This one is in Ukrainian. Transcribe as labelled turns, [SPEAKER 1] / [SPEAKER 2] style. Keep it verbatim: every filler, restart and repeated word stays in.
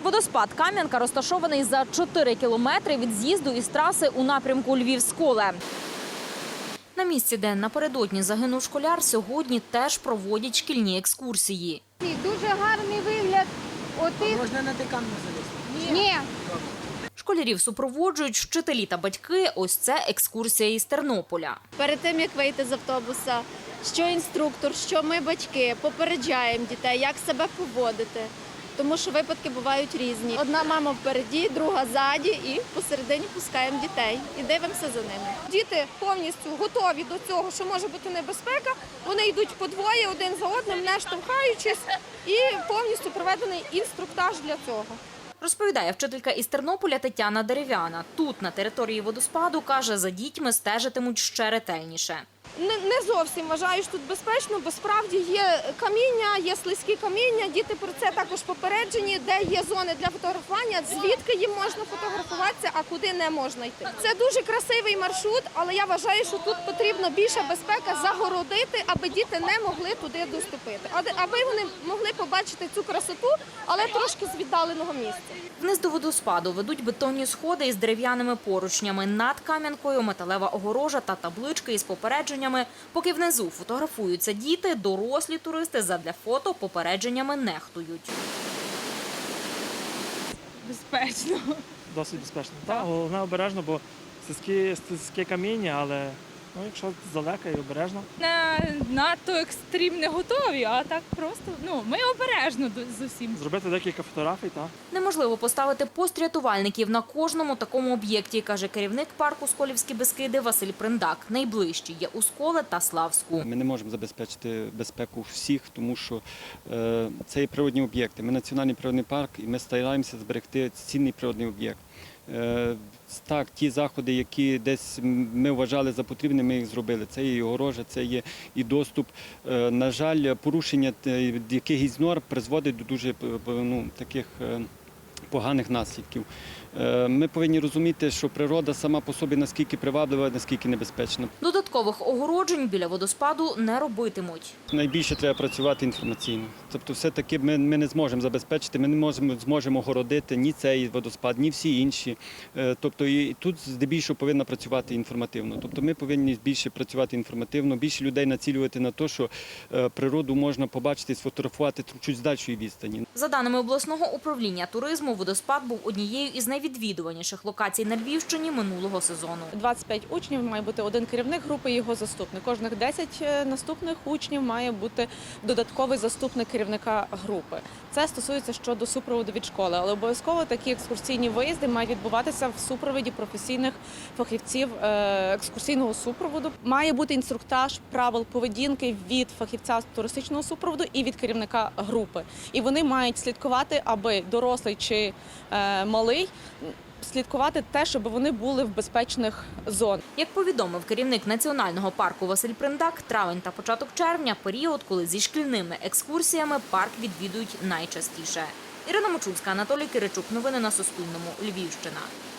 [SPEAKER 1] Водоспад Кам'янка розташований за чотири кілометри від з'їзду із траси у напрямку Львів-Сколе. На місці, де напередодні загинув школяр, сьогодні теж проводять шкільні екскурсії.
[SPEAKER 2] Дуже гарний вигляд. Отих...
[SPEAKER 3] Можна на декан залізти?
[SPEAKER 2] Ні.
[SPEAKER 1] Школярів супроводжують вчителі та батьки. Ось це екскурсія із Тернополя.
[SPEAKER 4] Перед тим, як вийти з автобуса, що інструктор, що ми, батьки, попереджаємо дітей, як себе поводити. Тому що випадки бувають різні. Одна мама впереді, друга ззаді і посередині пускаємо дітей і дивимося за ними.
[SPEAKER 2] Діти повністю готові до цього, що може бути небезпека. Вони йдуть по двоє, один за одним, не штовхаючись, і повністю проведений інструктаж для цього.
[SPEAKER 1] Розповідає вчителька із Тернополя Тетяна Дерев'яна. Тут, на території водоспаду, каже, за дітьми стежитимуть ще ретельніше.
[SPEAKER 2] Не, не зовсім вважаю, що тут безпечно, бо справді є каміння, є слизькі каміння, діти про це також попереджені, де є зони для фотографування, звідки їм можна фотографуватися, а куди не можна йти. Це дуже красивий маршрут, але я вважаю, що тут потрібно більша безпека загородити, аби діти не могли туди доступити, аби вони могли побачити цю красоту, але трошки з віддаленого місця.
[SPEAKER 1] Вниз до водоспаду ведуть бетонні сходи із дерев'яними поручнями. Над Кам'янкою металева огорожа та таблички із попередженнями. Поки внизу фотографуються діти, дорослі туристи задля фото попередженнями нехтують.
[SPEAKER 5] Безпечно.
[SPEAKER 6] Досить безпечно. Так, головне обережно, бо слизьке каміння, але ну, якщо здалека і обережно.
[SPEAKER 5] Не надто екстрім не готові, а так просто, ну, ми обережно з усім.
[SPEAKER 6] Зробити декілька фотографій, так.
[SPEAKER 1] Неможливо поставити пост рятувальників на кожному такому об'єкті, каже керівник парку «Сколівські Бескиди» Василь Приндак. Найближчі є у Сколе та Славську.
[SPEAKER 7] Ми не можемо забезпечити безпеку всіх, тому що е, це є природні об'єкти. Ми національний природний парк і ми стараємося зберегти цінний природний об'єкт. Е, так, ті заходи, які десь ми вважали за потрібне, ми їх зробили. Це є і огорожа, це є і доступ. Е, на жаль, порушення якихось норм призводить до дуже ну, таких е, поганих наслідків. Ми повинні розуміти, що природа сама по собі наскільки приваблива, наскільки небезпечна.
[SPEAKER 1] Додаткових огороджень біля водоспаду не робитимуть.
[SPEAKER 7] Найбільше треба працювати інформаційно. Тобто все-таки ми, ми не зможемо забезпечити, ми не можемо, зможемо огородити ні цей водоспад, ні всі інші. Тобто і тут здебільшого повинна працювати інформативно. Тобто ми повинні більше працювати інформативно, більше людей націлювати на те, що природу можна побачити і сфотографувати чуть з дальшої відстані.
[SPEAKER 1] За даними обласного управління туризму, водоспад був однією із найвідвідуваніших локацій на Львівщині минулого сезону.
[SPEAKER 8] двадцять п'ять учнів, має бути один керівник групи і його заступник. Кожних десять наступних учнів має бути додатковий заступник керівника групи. Це стосується щодо супроводу від школи, але обов'язково такі екскурсійні виїзди мають відбуватися в супроводі професійних фахівців екскурсійного супроводу. Має бути інструктаж правил поведінки від фахівця туристичного супроводу і від керівника групи. І вони мають слідкувати, аби дорослий чи малий слідкувати те, щоб вони були в безпечних зонах.
[SPEAKER 1] Як повідомив керівник національного парку Василь Приндак, травень та початок червня – період, коли зі шкільними екскурсіями парк відвідують найчастіше. Ірина Мочульська, Анатолій Киричук. Новини на Суспільному. Львівщина.